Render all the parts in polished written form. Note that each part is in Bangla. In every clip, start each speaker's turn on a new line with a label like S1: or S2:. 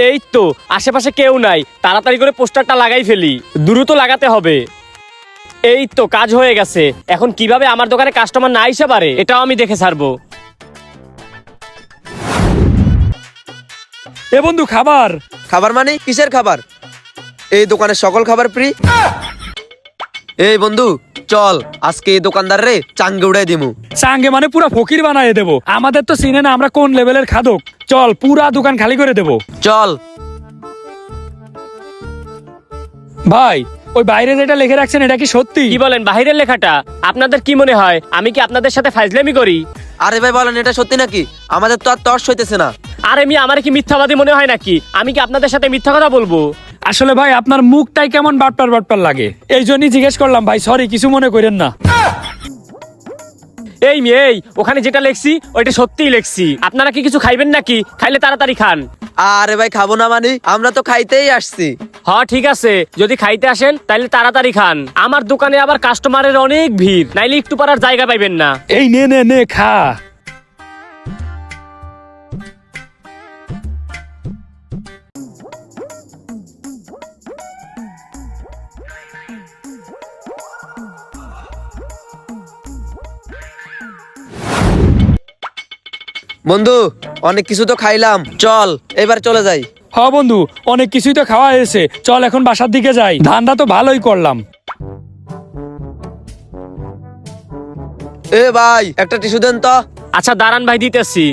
S1: এই তো আশেপাশে কেউ নাই, তাড়াতাড়ি করে পোস্টারটা লাগাই ফেলি, দ্রুত লাগাতে হবে। এই তো কাজ হয়ে গেছে। এখন কিভাবে আমার দোকানে কাস্টমার না এসে পারে এটাও আমি দেখে ছাড়বো।
S2: এ বন্ধু খাবার।
S3: খাবার মানে কিসের খাবার? এই দোকানের সকল খাবার ফ্রি। এই বন্ধু চল আজকে এই দোকানদার রে চাঙ্গে উড়াই দিমু।
S2: চাঙ্গে মানে পুরা ফকির বানায় দেবো। আমাদের তো চিনে না আমরা কোন লেভেলের খাদক। চল পুরা দোকান খালি করে দেবো।
S3: চল।
S2: ভাই ওই বাইরে যেটা লিখে রাখছেন এটা কি সত্যি?
S1: কি বলেন বাহিরের লেখাটা? আপনাদের কি মনে হয় আমি কি আপনাদের সাথে ফাইজলামি করি?
S3: আরে ভাই বলেন এটা সত্যি নাকি? আমাদের তো আর তর্স হইতেছে না।
S1: আরে আমার কি মিথ্যাবাদী মনে হয় নাকি? আমি কি আপনাদের সাথে মিথ্যা কথা বলবো?
S2: আসলে ভাই আপনার মুখটাই কেমন বাটপার বাটপার লাগে, এই জন্যই জিজ্ঞেস করলাম ভাই। সরি, কিছু মনে করেন না।
S1: এই ওখানে যেটা লেখছি ওইটা সত্যিই লেখছি। আপনারা কি কিছু খাইবেন নাকি? খাইলে তাড়াতাড়ি খান।
S3: আরে ভাই খাবো না মানে? আমরা তো খাইতেই আসছি।
S1: হ্যাঁ ঠিক আছে, যদি খাইতে আসেন তাহলে তাড়াতাড়ি খান। আমার দোকানে আবার কাস্টমারের অনেক ভিড়, নাইলে একটু পারার জায়গা পাইবেন না।
S2: এই নে নে নে খা।
S3: বন্ধু অনেক কিছু তো খাইলাম, চল এবার চলে যাই।
S2: হ বন্ধু, অনেক কিছুই তো খাওয়া হয়েছে, চল এখন বাসার দিকে যাই। ধানটা তো ভালোই করলাম।
S3: এ ভাই একটা টিস্যু দেন তো।
S1: আচ্ছা দাঁড়ান ভাই, দিতেছি।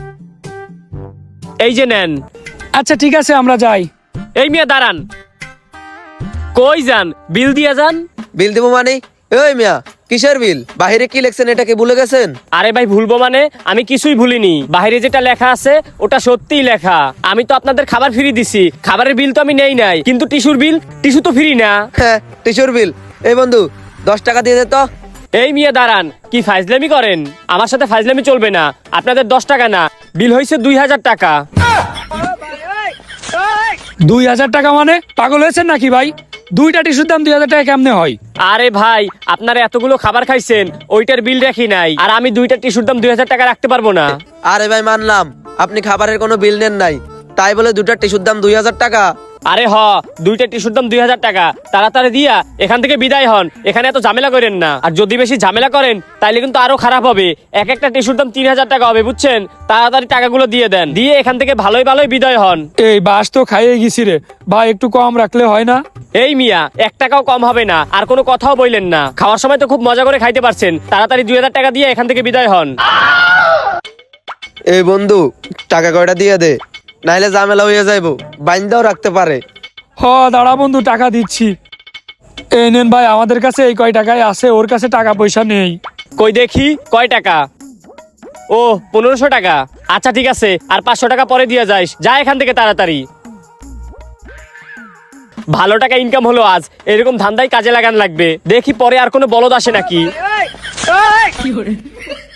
S1: এই যে নেন।
S2: আচ্ছা ঠিক আছে আমরা যাই।
S1: এই মিয়া দাঁড়ান, কই যান? বিল দিয়ে যান।
S3: বিল দেবো মানে? এই মিয়া কিসের বিল? বাহিরে কি লেখছেন এটা কি ভুলে গেছেন?
S1: আরে ভাই ভুলবো মানে? আমি কিছুই ভুলিনি। বাইরে যেটা লেখা আছে ওটা সত্যিই লেখা। আমি তো আপনাদের খাবার ফ্রি দিছি, খাবারের বিল তো আমি নেই নাই, কিন্তু টিস্যুর বিল, টিস্যু তো ফ্রি না।
S3: হ্যাঁ টিস্যুর বিল। এই বন্ধু 10 টাকা দিয়ে দে তো।
S1: এই মিয়া দাঁড়ান, কি ফাইজলামি করেন? আমার সাথে ফাইজলামি চলবে না। আপনাদের 10 টাকা না, বিল হয়েছে 2000 টাকা।
S2: 2000 টাকা মানে? পাগল হয়েছেন নাকি ভাই? দুইটা টিস্যুর দাম 2000 টাকা কেমনে হয়?
S1: আরে ভাই আপনারা এতগুলো খাবার খাইছেন, ওইটার বিল রাখি নাই, আর আমি দুইটা টিস্যুর দাম 2000 টাকা রাখতে পারবো না।
S3: আরে ভাই মানলাম আপনি খাবারের কোনো বিল নেন নাই, তাই বলে দুটা টিস্যুর দাম 2000 টাকা?
S1: আরে দুইটা টিস্যুর দাম 2000 টাকা। তাড়াতাড়ি দিয়া এখান থেকে বিদায় হন, এখানে এত ঝামেলা করেন না। আর যদি বেশি ঝামেলা করেন তাইলে কিন্তু আরো খারাপ হবে। এক একটা টিস্যুর দাম 3000 টাকা হবে, বুঝছেন? তাড়াতাড়ি টাকাগুলো দিয়ে দেন, দিয়ে এখান থেকে ভালোই ভালোই বিদায় হন।
S2: এই বাস তো খাইয়ে গেছি রে ভাই, একটু কম রাখলে হয় না?
S1: এই মিয়া 1 টাকাও কম হবে না, আর কোনো কথাও বললেন না। খাওয়ার সময় তো খুব মজা করে খাইতে পারছেন, তাড়াতাড়ি 2000 টাকা দিয়ে এখান থেকে বিদায় হন।
S3: এই বন্ধু টাকা কয়টা দিয়ে দে, নাইলে ঝামেলা হয়ে যাইবো, বাইন্দাও রাখতে পারে।
S2: হ দাঁড়া বন্ধু, টাকা দিচ্ছি। এই নেন ভাই, আমাদের কাছে এই কয় টাকায় আছে, ওর কাছে টাকা পয়সা নেই।
S1: কই দেখি কয় টাকা? ও 1500 টাকা। আচ্ছা ঠিক আছে, আর 500 টাকা পরে দিয়ে যাইস। যা এখান থেকে তাড়াতাড়ি। ভালো টাকা ইনকাম হলো আজ, এরকম ধান্দাই কাজে লাগান লাগবে। দেখি পরে আর কোনো বলদ আসে নাকি।